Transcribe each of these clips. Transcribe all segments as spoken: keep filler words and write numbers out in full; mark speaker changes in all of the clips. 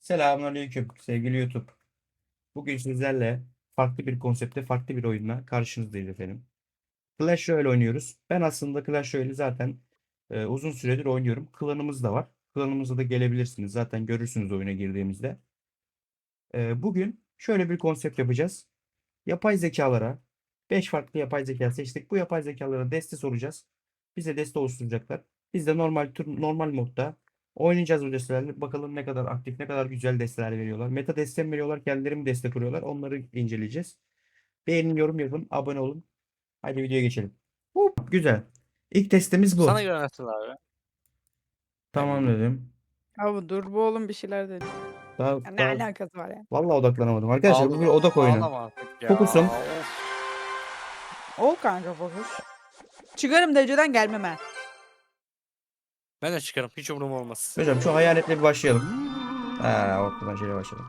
Speaker 1: Selamünaleyküm sevgili YouTube. Bugün sizlerle farklı bir konsepte, farklı bir oyunla karşınızdayız efendim. Clash Royale oynuyoruz. Ben aslında Clash Royale'i zaten e, uzun süredir oynuyorum. Klanımız da var. Klanımıza da gelebilirsiniz. Zaten görürsünüz oyuna girdiğimizde. E, bugün şöyle bir konsept yapacağız. Yapay zekalara beş farklı yapay zeka seçtik. Bu yapay zekalara deste soracağız. Bize deste oluşturacaklar. Biz de normal tür, normal modda oynayacağız bu destelerle. Bakalım ne kadar aktif, ne kadar güzel desteler veriyorlar. Meta deste mi veriyorlar, kendileri mi destek kuruyorlar? Onları inceleyeceğiz. Beğenin, yorum yapın, abone olun. Hadi videoya geçelim. Hop, güzel. İlk testimiz
Speaker 2: Sana
Speaker 1: bu.
Speaker 2: göre nasıl abi?
Speaker 1: Tamam
Speaker 2: Yani
Speaker 1: dedim.
Speaker 3: Abi dur bu oğlum bir şeyler dedi.
Speaker 1: Daha,
Speaker 3: Ya ne
Speaker 1: daha
Speaker 3: alakası var ya?
Speaker 1: vallahi odaklanamadım. Arkadaşlar bu bir
Speaker 2: ağla,
Speaker 1: odak oyunu.
Speaker 2: ağlama artık ya.
Speaker 1: Fokusum.
Speaker 2: Of.
Speaker 3: Ol kanka fokus. Çıkarım dereceden gelmem ha.
Speaker 2: Ben de çıkarım. Hiç umurum olmaz.
Speaker 1: Hocam şu hayaletle bir başlayalım. Ha, ortadan şöyle başlayalım.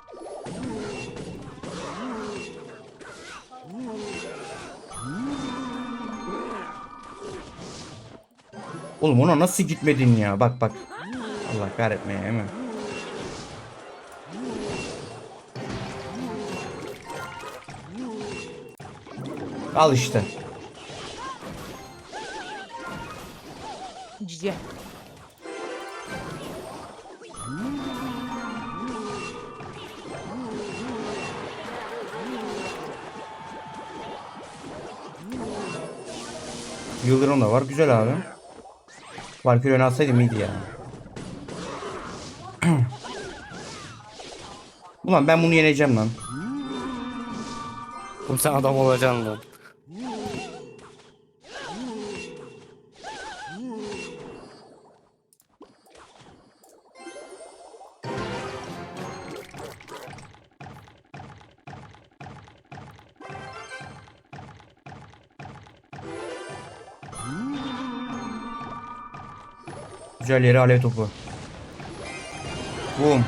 Speaker 1: Oğlum ona nasıl gitmedin ya? Bak bak. Allah kahretmeye hemen. Al işte.
Speaker 3: Cici.
Speaker 1: Yıldırım da var. Güzel abi. Valkyrie öne atsaydım iyiydi ya. Ulan ben bunu yeneceğim lan.
Speaker 2: Oğlum sen adam olacaksın lan.
Speaker 1: Güzel yere alev topu. Boom.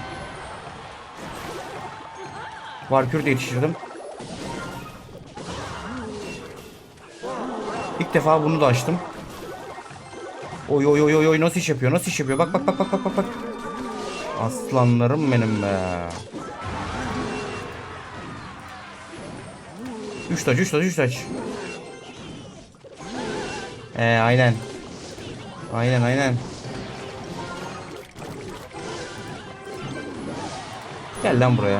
Speaker 1: Valkyrie de yetiştirdim. İlk defa bunu da açtım. Oy oy oy oy oy nasıl iş yapıyor? Nasıl iş yapıyor? Bak bak bak bak bak bak bak. Aslanlarım benim be. Üç taç, üç taç, üç taç. Ee, aynen. Aynen aynen. Gel lan buraya.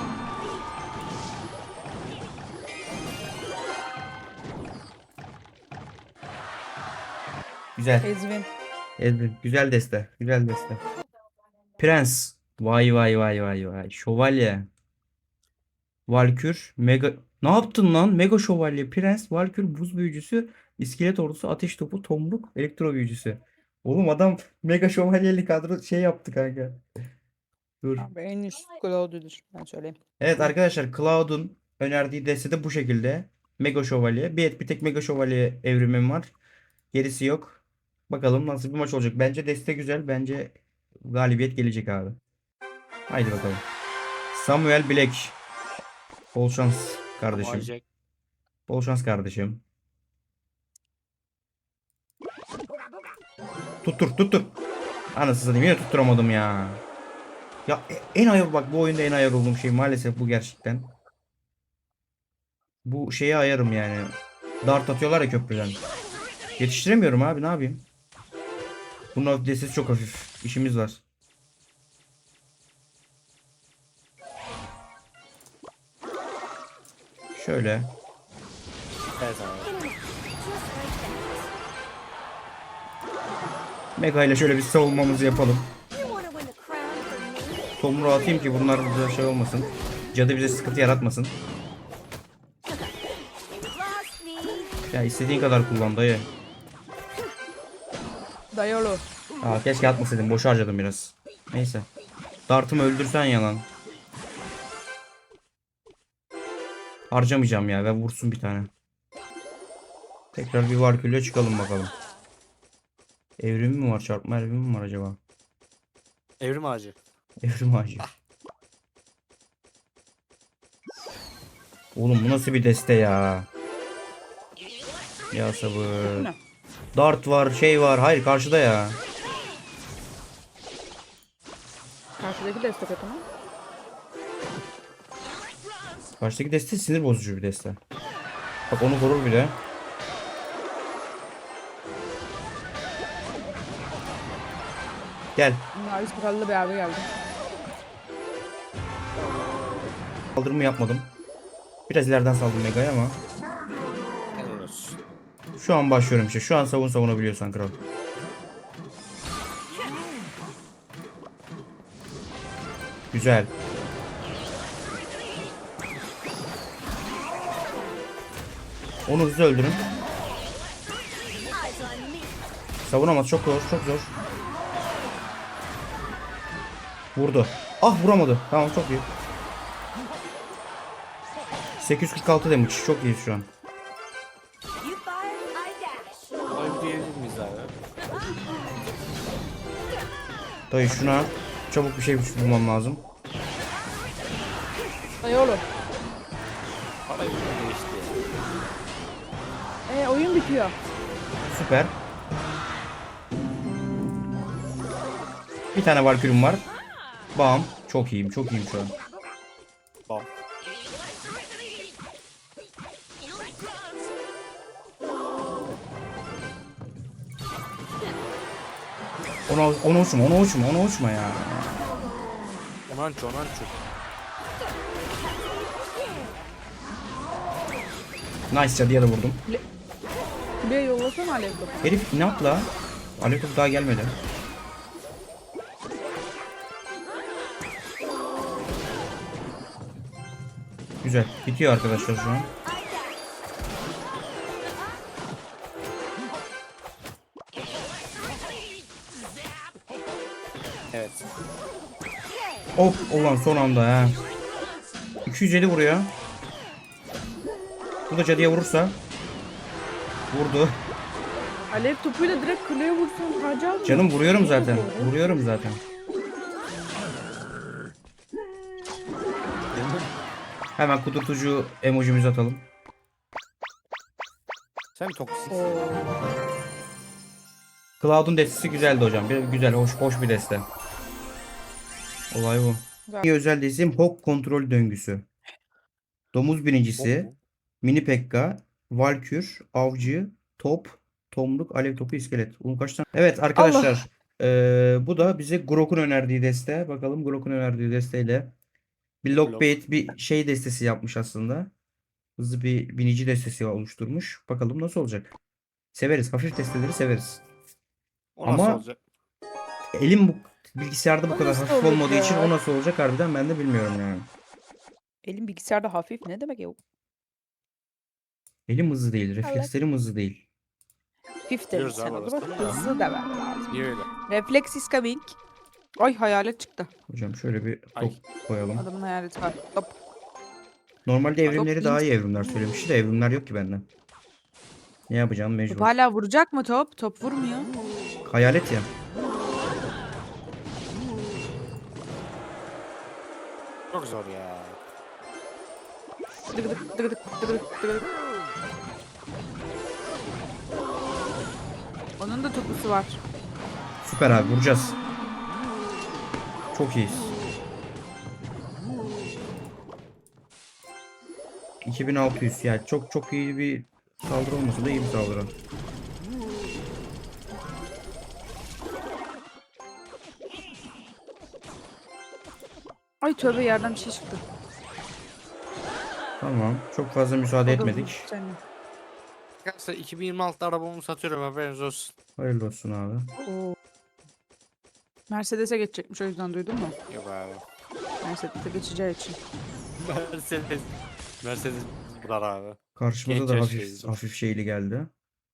Speaker 1: Güzel.
Speaker 3: Ezvin.
Speaker 1: Ezbin. Güzel deste. Güzel deste. Prens. Vay vay vay vay vay. Şövalye. Valkür. Mega. Ne yaptın lan? Mega Şövalye. Prens. Valkür. Buz büyücüsü. İskelet ordusu. Ateş topu. Tomruk. Elektro büyücüsü. Oğlum adam Mega Şövalyeli kadro şey yaptı kanka. Dur.
Speaker 3: Abi en üst Cloud'udur ben söyleyeyim.
Speaker 1: Evet
Speaker 3: Buyur.
Speaker 1: arkadaşlar Cloud'un önerdiği deste de bu şekilde. Mega Şövalye. Bir, bir tek Mega Şövalye evrimim var. Gerisi yok. Bakalım nasıl bir maç olacak. Bence deste güzel. Bence galibiyet gelecek abi. Haydi bakalım. Samuel Black. Bol şans kardeşim.
Speaker 2: Olacak.
Speaker 1: Bol şans kardeşim. Tuttur tuttur. Anasını satayım yine tutturamadım ya. Ya e- en ayar bak bu oyunda en ayar olduğum şey maalesef bu gerçekten. Bu şeye ayarım yani. Dart atıyorlar ya köprüden. Yetiştiremiyorum abi ne yapayım? Bunun destesi çok hafif. İşimiz var. Şöyle.
Speaker 2: Evet abi.
Speaker 1: Mega ile şöyle bir savunmamızı yapalım. Tomru atayım ki bunlar bize şey olmasın. Cadı bize sıkıntı yaratmasın. Ya istediğin kadar kullan dayı.
Speaker 3: Dayalı.
Speaker 1: Aa, keşke atmasaydım. Boş harcadım biraz. Neyse. Dartımı öldürsen yalan. Harcamayacağım ya. Ve vursun bir tane. Tekrar bir Valkyrie'ye çıkalım bakalım. Evrimi mi var? Çarpma evrimi mi var acaba?
Speaker 2: Evrim ağacı.
Speaker 1: Evrim ağacı. Oğlum bu nasıl bir deste ya? Ya sabır.
Speaker 3: Ne?
Speaker 1: Dart var, şey var. Hayır karşıda ya.
Speaker 3: Karşıdaki destek atımı.
Speaker 1: Karşıdaki deste sinir bozucu bir deste. Bak onu korur bile. Gel.
Speaker 3: Mavi sakallı bir abi geldi.
Speaker 1: Saldırımı yapmadım. Biraz ileriden saldım Mega'ya ama.
Speaker 2: Helal olsun.
Speaker 1: Şu an başlıyorum işte. Şu an savun savunabiliyorsan kral. Güzel. Onu hızlı öldürün. Savunamaz. Çok zor. Çok zor. Vurdu. Ah vuramadı. Tamam çok iyi. sekiz yüz kırk altı damage. Çok iyi şu an.
Speaker 2: Ay diyebilir miyiz abi?
Speaker 1: Dayı şuna çabuk bir şey bulmam lazım.
Speaker 3: Ay oğlum.
Speaker 2: Para yüzüne geçti.
Speaker 3: E oyun bitiyor.
Speaker 1: Süper. Bir tane Valkyrie'm var. Bam. Çok iyiyim. Çok iyiyim şu an.
Speaker 2: Bam.
Speaker 1: Ona, ona uçma. Ona uçma. Ona uçma ya.
Speaker 2: Onanço onanço.
Speaker 1: Nice cadıya da vurdum.
Speaker 3: Kuleye yollasana Alev topu.
Speaker 1: Herif ne yaptı la? Aleyküm daha gelmedi. Güzel. Bitiyor arkadaşlar şu an.
Speaker 2: Evet.
Speaker 1: Hop ulan son anda ha. iki yüz elli vuruyor. Bu da cadıya vurursa. Vurdu.
Speaker 3: Alev topuyla direkt kuleye vursun. Hacı
Speaker 1: Canım vuruyorum zaten. Vuruyorum zaten. Hemen kudurtucu emojimizi atalım.
Speaker 2: Sen mi toksik?
Speaker 1: Cloud'un destesi güzeldi hocam. Bir, güzel, hoş, hoş bir deste. Olay bu.
Speaker 3: Güzel.
Speaker 1: Bir özel destem Hawk kontrol döngüsü. Domuz birincisi,
Speaker 2: Hop.
Speaker 1: Mini Pekka, Valkür, Avcı, Top, Tomruk, Alev Topu, İskelet. Bunun kaç tane? Evet arkadaşlar. eee, bu da bize Grok'un önerdiği deste. Bakalım Grok'un önerdiği desteyle bir Lockbait bir şey destesi yapmış aslında. Hızlı bir binici destesi oluşturmuş. Bakalım nasıl olacak. Severiz. Hafif desteleri severiz.
Speaker 2: O nasıl
Speaker 1: Ama-
Speaker 2: olacak?
Speaker 1: Elim bu bilgisayarda bu
Speaker 3: O
Speaker 1: kadar
Speaker 3: nasıl
Speaker 1: hafif
Speaker 3: olur
Speaker 1: olmadığı
Speaker 3: ya?
Speaker 1: için o nasıl olacak harbiden ben de bilmiyorum yani.
Speaker 3: Elim bilgisayarda hafif ne demek ya?
Speaker 1: Elim hızlı değil. Reflekslerim hızlı değil.
Speaker 3: Hafif dedin
Speaker 2: Biliyoruz
Speaker 3: sen
Speaker 2: abi
Speaker 3: o zaman.
Speaker 2: orasını.
Speaker 3: Hızlı demen lazım.
Speaker 2: Niye öyle?
Speaker 3: Reflex is coming. Ay hayalet çıktı.
Speaker 1: Hocam şöyle bir
Speaker 2: Ay.
Speaker 1: top koyalım.
Speaker 3: Adamın hayaleti var. Hop.
Speaker 1: Normalde evrimleri
Speaker 3: Top
Speaker 1: daha
Speaker 3: int.
Speaker 1: iyi evrimler söylemişti de evrimler yok ki bende. Ne yapacağım
Speaker 3: Top
Speaker 1: mecbur.
Speaker 3: hala vuracak mı top? Top vurmuyor.
Speaker 1: Hayalet ya.
Speaker 2: Çok zor ya.
Speaker 3: Dıgıdık dıgıdık dıgıdık dıgıdık. Onun da topusu var.
Speaker 1: Süper abi vuracağız. Çok iyiyiz. iki bin altı yüz yani çok çok iyi bir saldırı olmasa da iyi bir saldırı.
Speaker 3: Ay tövbe yerden bir şey çıktı.
Speaker 1: Tamam. Çok fazla müsaade
Speaker 3: O da
Speaker 1: etmedik.
Speaker 3: vurdu seni.
Speaker 2: Arkadaşlar iki bin yirmi altıda arabamı satıyorum haberiniz olsun.
Speaker 1: Hayırlı olsun abi.
Speaker 3: Oo. Mercedes'e geçecekmiş o yüzden duydun mu?
Speaker 2: Yok abi.
Speaker 3: Mercedes'e geçeceği için.
Speaker 2: Mercedes. Mercedes bular abi.
Speaker 1: Karşımıza
Speaker 2: Genç
Speaker 1: da
Speaker 2: yaş
Speaker 1: hafif
Speaker 2: teyze.
Speaker 1: hafif şeyli geldi.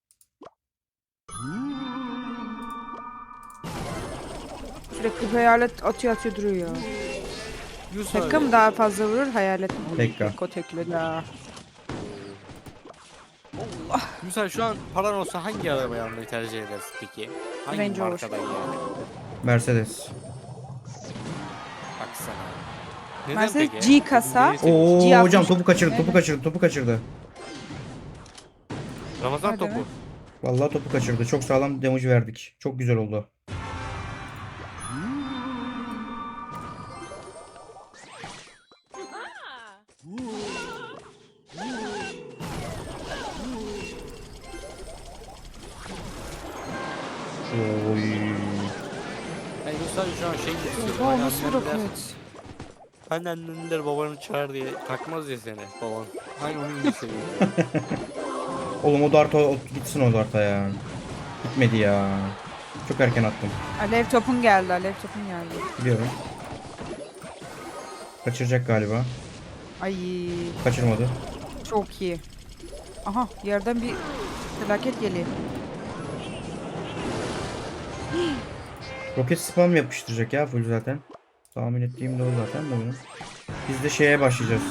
Speaker 3: Sürekli hayalet atıyor atıyor duruyor ya.
Speaker 2: Yusuf
Speaker 3: Pekka
Speaker 2: abi.
Speaker 3: mı daha fazla vurur hayalet mi? Oy,
Speaker 1: Pekka.
Speaker 3: Pekka tekli la.
Speaker 2: Yusuf abi, şu an paran olsa hangi arabayı almayı tercih edersin peki? Hangi
Speaker 3: Range Rover.
Speaker 2: markadan yani?
Speaker 1: Mercedes.
Speaker 2: Baksana. Neden
Speaker 3: Mercedes
Speaker 2: peki?
Speaker 3: G kasa.
Speaker 2: Neyse,
Speaker 1: Oo
Speaker 3: G altmış.
Speaker 1: hocam topu kaçırdı, topu
Speaker 3: Evet.
Speaker 1: kaçırdı, topu kaçırdı.
Speaker 2: Ramazan
Speaker 3: Hadi
Speaker 2: topu.
Speaker 3: be.
Speaker 1: Vallahi topu kaçırdı. Çok sağlam damage verdik. Çok güzel oldu.
Speaker 2: sadece şu an şey istiyorum.
Speaker 3: Oha
Speaker 2: Hani
Speaker 3: nasıl bir
Speaker 2: annemler,
Speaker 3: roket?
Speaker 2: hani annemler babanı çağır diye takmaz ya seni baban. Hani onun gibi seviyorum.
Speaker 1: Oğlum o dart o, o- gitsin o darta ya. Gitmedi ya. Çok erken attım.
Speaker 3: Alev topun geldi. Alev topun geldi.
Speaker 1: Biliyorum. Kaçıracak galiba.
Speaker 3: Ay
Speaker 1: Kaçırmadı.
Speaker 3: çok iyi. Aha yerden bir felaket geliyor.
Speaker 1: Roket spam yapıştıracak ya full zaten. Tahmin ettiğim de o zaten de benim. Biz de şeye başlayacağız.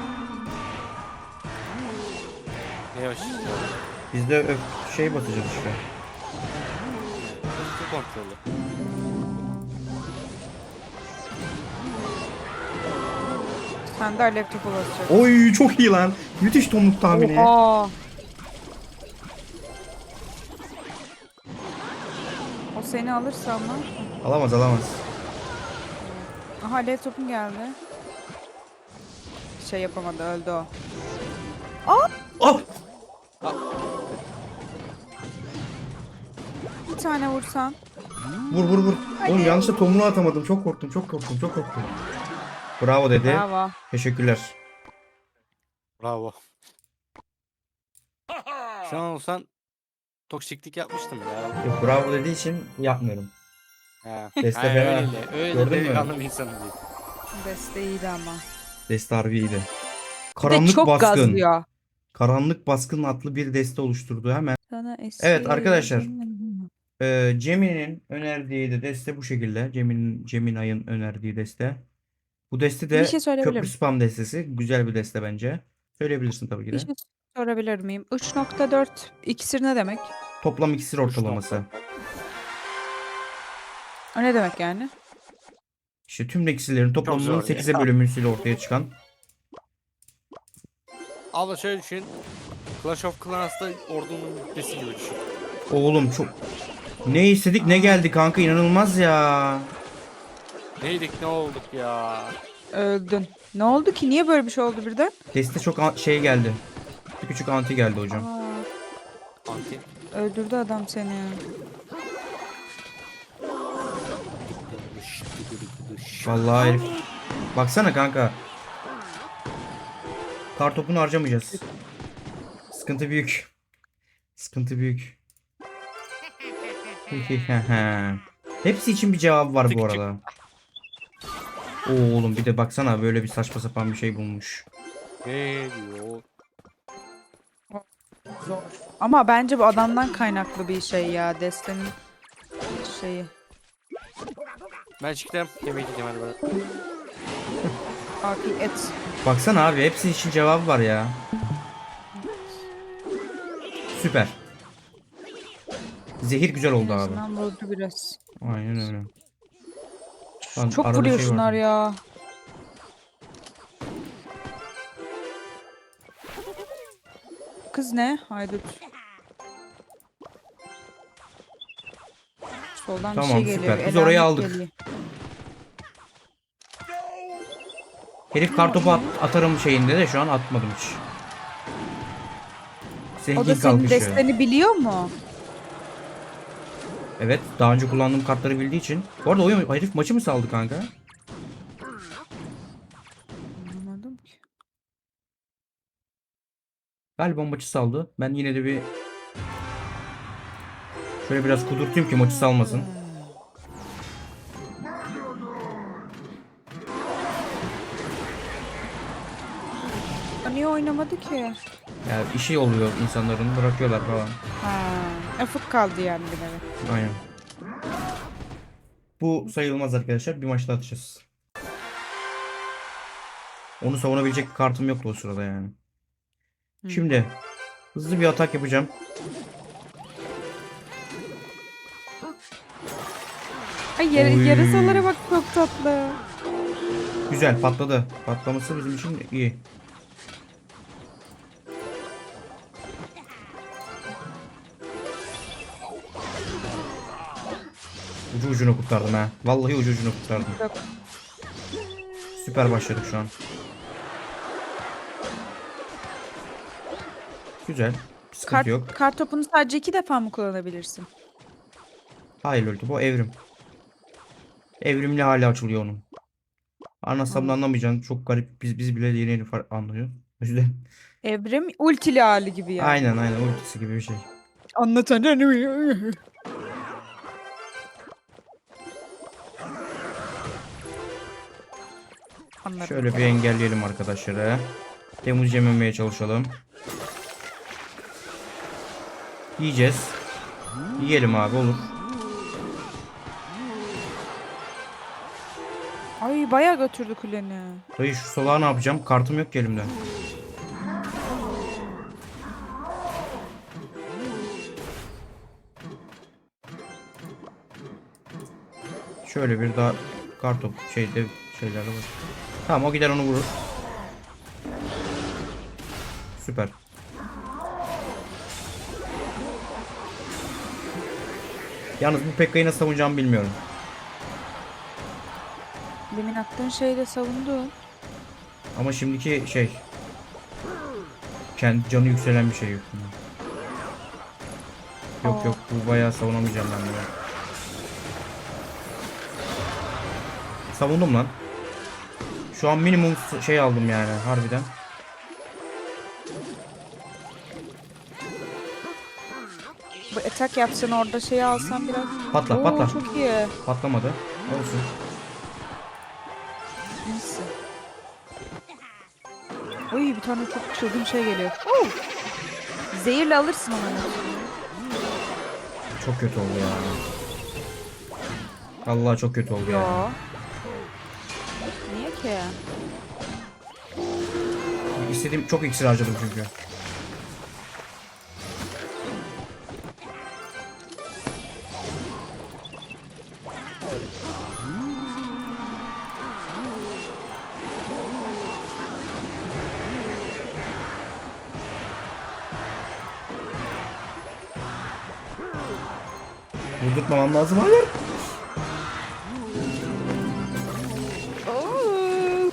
Speaker 2: Ne başlıyor?
Speaker 1: Biz de öf- şey basacağız işte.
Speaker 2: Hızlı kontrolü.
Speaker 3: Sen de alev topu basacak.
Speaker 1: Oy çok iyi lan. Müthiş tomruk tahmini.
Speaker 3: Oha. O seni alırsa ama.
Speaker 1: Alamaz alamaz.
Speaker 3: Aha alev topun geldi. Şey yapamadı öldü o.
Speaker 1: Oh!
Speaker 3: Bir tane vursan.
Speaker 1: Vur vur vur. Oğlum yanlışlıkla tomruğu atamadım. Çok korktum çok korktum çok korktum. Bravo dedi.
Speaker 3: Bravo.
Speaker 1: Teşekkürler.
Speaker 2: Bravo. Şu an olsan toksiklik yapmıştım ya.
Speaker 1: Yok, bravo dediği için yapmıyorum.
Speaker 2: Ha.
Speaker 1: Deste
Speaker 2: Ha,
Speaker 1: fena.
Speaker 2: öyle. Öyle
Speaker 1: Gördün mü?
Speaker 2: delikanlı bir insanım değil.
Speaker 3: Desteğiydi ama.
Speaker 1: Deste harbi iyiydi.
Speaker 3: Bir de
Speaker 1: Karanlık
Speaker 3: çok
Speaker 1: Baskın.
Speaker 3: gazlıyor.
Speaker 1: Karanlık Baskın adlı bir deste oluşturdu hemen.
Speaker 3: Sana
Speaker 1: Evet arkadaşlar.
Speaker 3: esir-
Speaker 1: Ee, Cemil'in önerdiği de deste bu şekilde. Cemil'in Ceminay'ın önerdiği deste. Bu deste
Speaker 3: Bir
Speaker 1: de
Speaker 3: şey
Speaker 1: köprü
Speaker 3: söyleyebilirim.
Speaker 1: spam destesi. Güzel bir deste bence. Söyleyebilirsin tabii ki
Speaker 3: Bir
Speaker 1: de.
Speaker 3: şey sorabilir miyim? üç nokta dört iksir ne demek?
Speaker 1: Toplam iksir ortalaması.
Speaker 3: O ne demek yani?
Speaker 1: İşte tüm iksirlerin toplamının
Speaker 2: zor ya.
Speaker 1: sekize bölünmesiyle ortaya çıkan.
Speaker 2: Abla şöyle düşün. Clash of Clans'ta ordunun bitmesi gibi düşün.
Speaker 1: Oğlum çok... Ne istedik ne geldi kanka, inanılmaz ya.
Speaker 2: Neydik ne olduk ya.
Speaker 3: Öldün. Ne oldu ki? Niye böyle bir şey oldu birden?
Speaker 1: Deste çok an- şey geldi. Bir küçük anti geldi hocam.
Speaker 3: Aa,
Speaker 2: Anti.
Speaker 3: öldürdü adam seni.
Speaker 1: Vallahi herif. Baksana kanka. Kartopunu harcamayacağız. Sıkıntı büyük. Sıkıntı büyük. Hepsi için bir cevap var bu arada. Oo, oğlum bir de baksana böyle bir saçma sapan bir şey bulmuş.
Speaker 2: Ne diyor?
Speaker 3: Zor. Ama bence bu adamdan kaynaklı bir şey ya. Destenin şeyi.
Speaker 2: Ben çıktım. Yemek yiyeceğim hadi bana.
Speaker 3: Afiyet.
Speaker 1: Baksana abi hepsi için cevabı var ya. Süper. Zehir güzel oldu
Speaker 3: En
Speaker 1: abi.
Speaker 3: azından vurdu biraz.
Speaker 1: Aynen öyle. Lan
Speaker 3: Çok
Speaker 1: arada
Speaker 3: vuruyor
Speaker 1: şey
Speaker 3: şunlar
Speaker 1: vardı.
Speaker 3: ya. Kız ne? Haydut. Soldan
Speaker 1: Tamam,
Speaker 3: bir şey geliyor.
Speaker 1: süper. Biz
Speaker 3: Elamet
Speaker 1: orayı aldık.
Speaker 3: geliyor.
Speaker 1: Herif kartopu at- atarım şeyinde de şu an atmadım hiç.
Speaker 3: O
Speaker 1: Zengin
Speaker 3: da senin
Speaker 1: kalkışıyor.
Speaker 3: desteni biliyor mu?
Speaker 1: Evet, daha önce kullandığım kartları bildiği için. Bu arada oyun herif maçı mı saldı kanka?
Speaker 3: Anlamadım ki.
Speaker 1: Galiba maçı saldı. Ben yine de bir şöyle biraz kudurtayım ki maçı salmasın.
Speaker 3: O niye oynamadı ki?
Speaker 1: Yani işi oluyor insanların, bırakıyorlar falan.
Speaker 3: Ha, afık kaldı yani bir nevi.
Speaker 1: Aynen. Bu sayılmaz arkadaşlar. Bir maçta atacağız. Onu savunabilecek bir kartım yoktu o sırada yani.
Speaker 3: Hı.
Speaker 1: Şimdi hızlı bir atak yapacağım.
Speaker 3: Ay yar
Speaker 1: Oy.
Speaker 3: yarasalara bak çok tatlı.
Speaker 1: Güzel patladı. Patlaması bizim için iyi. Ucu ucuna kurtardım ha. Vallahi ucu ucuna kurtardım.
Speaker 3: Yok.
Speaker 1: Süper başladık şu an. Güzel. Sıkıntı
Speaker 3: Kart,
Speaker 1: yok.
Speaker 3: kart topunu sadece iki defa mı kullanabilirsin?
Speaker 1: Hayır öldü. Bu evrim. Evrimli hali açılıyor onun. Anlatsam da
Speaker 3: Anladım.
Speaker 1: anlamayacaksın. Çok garip. Biz biz bile yeni yeni far- anlıyoruz. O yüzden.
Speaker 3: Evrim ultili hali gibi yani.
Speaker 1: Aynen aynen ultisi gibi bir şey.
Speaker 3: Anlatan. Anladım.
Speaker 1: Şöyle bir engelleyelim arkadaşları. Temmuz yememeye çalışalım. Yiyeceğiz. Yiyelim abi olur.
Speaker 3: Ay bayağı götürdü kuleni.
Speaker 1: Dayı şu salağa ne yapacağım? Kartım yok ki elimde. Şöyle bir daha kartop şeyde şeyler var. Tamam o gider onu vurur. Süper. Yalnız bu Pekka'yı nasıl savunacağımı bilmiyorum.
Speaker 3: Demin attığın şeyi savundu.
Speaker 1: Ama şimdiki şey kendi canı yükselen bir şey yok. Yok
Speaker 3: Aa.
Speaker 1: yok bu bayağı savunamayacağım ben bunu. Savundum lan. Şu an minimum şey aldım yani harbiden.
Speaker 3: Bu atak yapsan orada şeyi alsan biraz.
Speaker 1: Patla
Speaker 3: Oo,
Speaker 1: patla.
Speaker 3: çok iyi.
Speaker 1: Patlamadı. Olsun.
Speaker 3: Neyse. Oy bir tane çok çılgın şey geliyor. Oo. Zehirle alırsın onu.
Speaker 1: Çok kötü oldu ya. Allah çok kötü oldu ya.
Speaker 3: Yo. Niye ki?
Speaker 1: İstediğim çok iksir harcadım çünkü. Vurdurtmamam lazım. Hayır.
Speaker 3: Oo.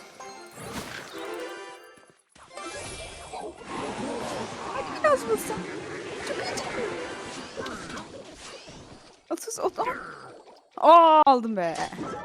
Speaker 3: Biraz mısın? Çok acı. Otuz odan. Aa aldım be.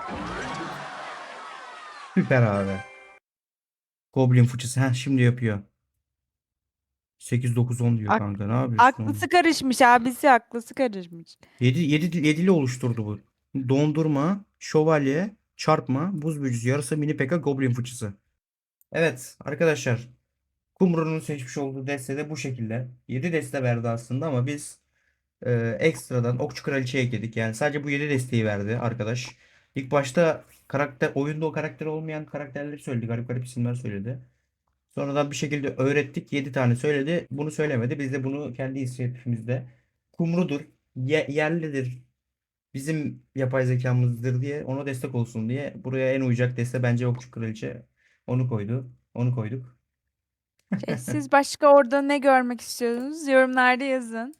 Speaker 1: Süper abi. Goblin fıçısı. Heh, şimdi yapıyor. sekiz dokuz on diyor
Speaker 3: Ak
Speaker 1: kanka. Ne yapıyorsun
Speaker 3: aklısı
Speaker 1: oğlum?
Speaker 3: karışmış abisi aklısı karışmış.
Speaker 1: yedi yedi yedili oluşturdu bu. Dondurma, şövalye, çarpma, buz büyücüsü, yarısı mini peka, goblin fıçısı. Evet arkadaşlar. Kumru'nun seçmiş olduğu deste de bu şekilde. yedi deste verdi aslında ama biz e, ekstradan Okçu Kraliçe ekledik. Yani sadece bu yedi desteği verdi arkadaş. İlk başta karakter oyunda o karakter olmayan karakterleri söyledi. Garip garip isimler söyledi. Sonradan bir şekilde öğrettik. Yedi tane söyledi. Bunu söylemedi. Biz de bunu kendi inisiyatifimizde Kumru'dur, ye- yerlidir, bizim yapay zekamızdır diye ona destek olsun diye buraya en uyacak deste bence Okçu Kraliçe. Onu koydu. Onu koyduk.
Speaker 3: Şey, siz başka orada ne görmek istiyorsunuz? Yorumlarda yazın.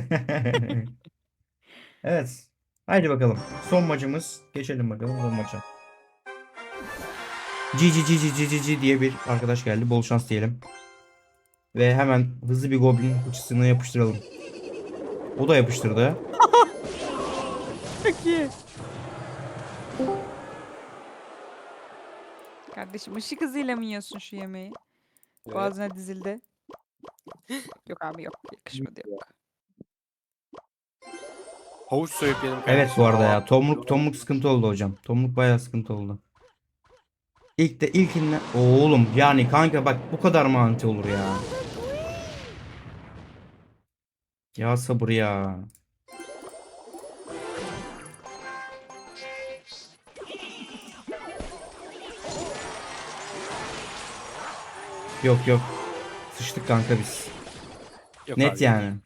Speaker 1: Evet. Haydi bakalım. Son maçımız. Geçelim bakalım son maça. Cici cici cici cici diye bir arkadaş geldi. Bol şans diyelim. Ve hemen hızlı bir goblin uçusuna yapıştıralım. O da yapıştırdı.
Speaker 3: Çok iyi. Kardeşim ışık hızıyla mı yiyorsun şu yemeği?
Speaker 2: Evet.
Speaker 3: Boğazına dizildi. Yok abi yok. Yakışmadı yok.
Speaker 2: Havuç soyup yedim
Speaker 1: Evet
Speaker 2: kardeşim.
Speaker 1: bu arada
Speaker 2: Aa,
Speaker 1: ya. Tomluk tomluk sıkıntı oldu hocam. Tomluk bayağı sıkıntı oldu. İlk de ilkinden oğlum yani kanka bak bu kadar mı anti olur ya? Ya sabır ya. Yok yok. Sıçtık kanka biz.
Speaker 2: yok
Speaker 1: Net
Speaker 2: abi yok.
Speaker 1: yani.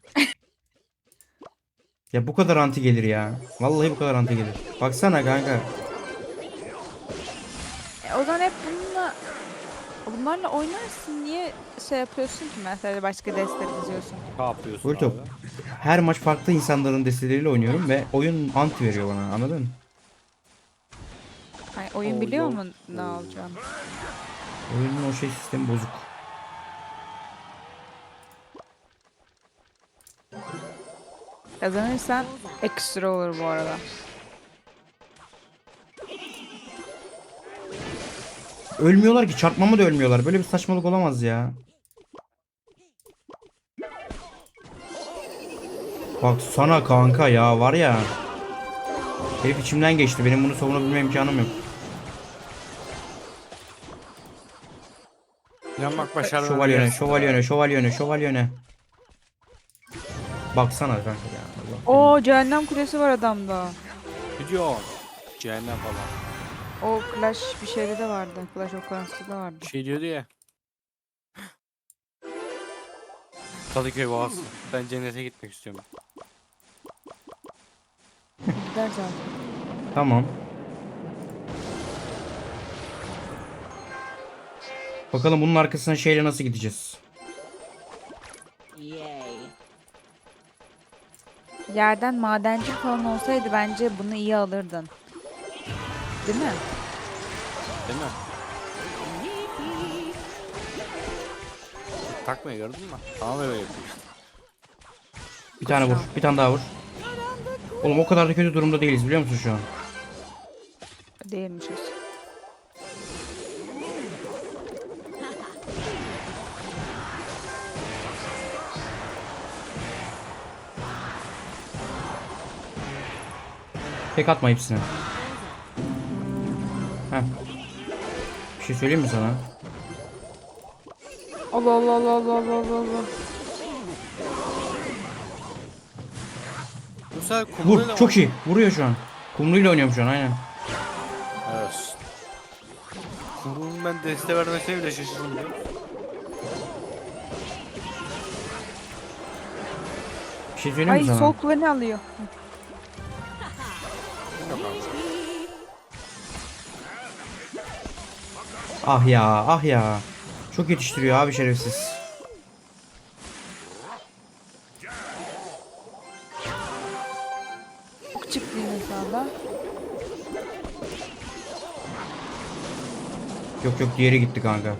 Speaker 1: Ya bu kadar anti gelir ya. Vallahi bu kadar anti gelir. Baksana kanka.
Speaker 3: E, o zaman hep bununla bunlarla oynarsın. Niye şey yapıyorsun ki mesela başka destek diziyorsun?
Speaker 2: Ne yapıyorsun
Speaker 1: Böyle top.
Speaker 2: abi?
Speaker 1: Her maç farklı insanların desteleriyle oynuyorum ve oyun anti veriyor bana anladın mı?
Speaker 3: Hani oyun
Speaker 2: Oo,
Speaker 3: biliyor
Speaker 2: yok.
Speaker 3: mu ne alacağını?
Speaker 1: Oyunun o şey sistemi bozuk.
Speaker 3: Kazanırsan ekstra olur bu arada.
Speaker 1: Ölmüyorlar ki, çarpmama da ölmüyorlar. Böyle bir saçmalık olamaz ya. Bak sana kanka ya, var ya. Herif içimden geçti. Benim bunu savunabilme imkanım yok.
Speaker 2: Yanmak başarılı.
Speaker 1: Şövalyene, şövalyene, şövalyene, şövalyene. Baksana kanka ya. Allah
Speaker 3: Oo, cehennem kulesi var adamda.
Speaker 2: Gidiyor. Cehennem falan.
Speaker 3: O Clash bir şeyde de vardı. Clash of Clans'ta da vardı.
Speaker 2: Bir şey diyordu ya. Kadıköy Boğaz. Ben cennete gitmek istiyorum.
Speaker 3: Gider zaten.
Speaker 1: Tamam. Bakalım bunun arkasına şeyle nasıl gideceğiz?
Speaker 3: Yerden madenci falan olsaydı bence bunu iyi alırdın. Değil mi?
Speaker 2: Değil mi? Takmayı gördün mü? Tamam öyle yapıyor.
Speaker 1: Bir tane vur. Bir tane daha vur. Oğlum o kadar da kötü durumda değiliz biliyor musun şu an?
Speaker 3: Değilmişiz.
Speaker 1: Tek atma hepsine. Heh. Bir şey söyleyeyim mi sana?
Speaker 3: Allah Allah Allah Allah Allah Allah Allah.
Speaker 2: Bu sefer
Speaker 1: Vur.
Speaker 2: kumruyla
Speaker 1: Çok iyi. Vuruyor şu an. Kumluyla oynuyorum şu an aynen.
Speaker 2: Evet. Kumru'nun ben deste vermesine bile şaşırdım ya.
Speaker 1: Bir şey söyleyeyim
Speaker 3: Ay,
Speaker 1: mi sana?
Speaker 3: sol kuleni alıyor.
Speaker 1: Ah ya, ah ya. Çok yetiştiriyor abi şerefsiz.
Speaker 3: Çok çıktı yine sağda.
Speaker 1: Yok yok, diğeri gitti kanka.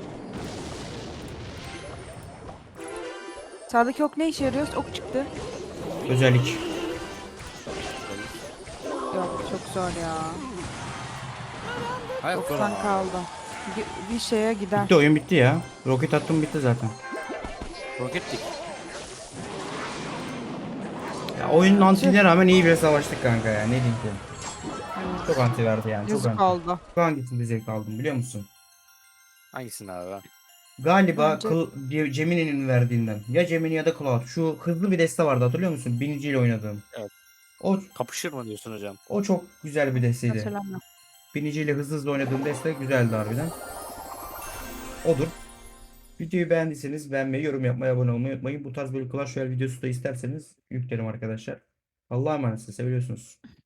Speaker 3: Sağdaki ok ne işe yarıyor? Ok çıktı.
Speaker 1: Özellik.
Speaker 3: Yok, çok zor ya.
Speaker 2: Hayır dur
Speaker 3: doksan
Speaker 2: ama.
Speaker 3: kaldı. Bir, bir şeye gider.
Speaker 1: Bitti, oyun bitti ya. Roket attım, bitti zaten.
Speaker 2: Roketlik.
Speaker 1: Ya oyunun antiline rağmen iyi bir savaştık kanka ya. Ne diyeyim ki?
Speaker 3: Evet.
Speaker 1: Çok anti verdi yani. Çok
Speaker 3: Yazık
Speaker 1: anti.
Speaker 3: oldu.
Speaker 1: Şu hangisinde zevk aldım biliyor musun?
Speaker 2: Hangisini abi ben?
Speaker 1: Galiba
Speaker 3: Bence-
Speaker 1: Kıl- diye- Gemini'nin verdiğinden. Ya Gemini ya da Cloud. Şu hızlı bir deste vardı, hatırlıyor musun? Biniciyle oynadığım.
Speaker 2: Evet.
Speaker 1: O,
Speaker 2: Kapışır mı diyorsun hocam?
Speaker 1: o çok güzel bir desteydi.
Speaker 3: Hatırlamıyorum.
Speaker 1: Biniciyle hızlı hızlı oynadığım deste güzeldi harbiden. Odur. Videoyu beğendiyseniz beğenmeyi, yorum yapmayı, abone olmayı unutmayın. Bu tarz böyle Clash Royale videosu da isterseniz yüklerim arkadaşlar. Allah'a emanet, seviyorsunuz.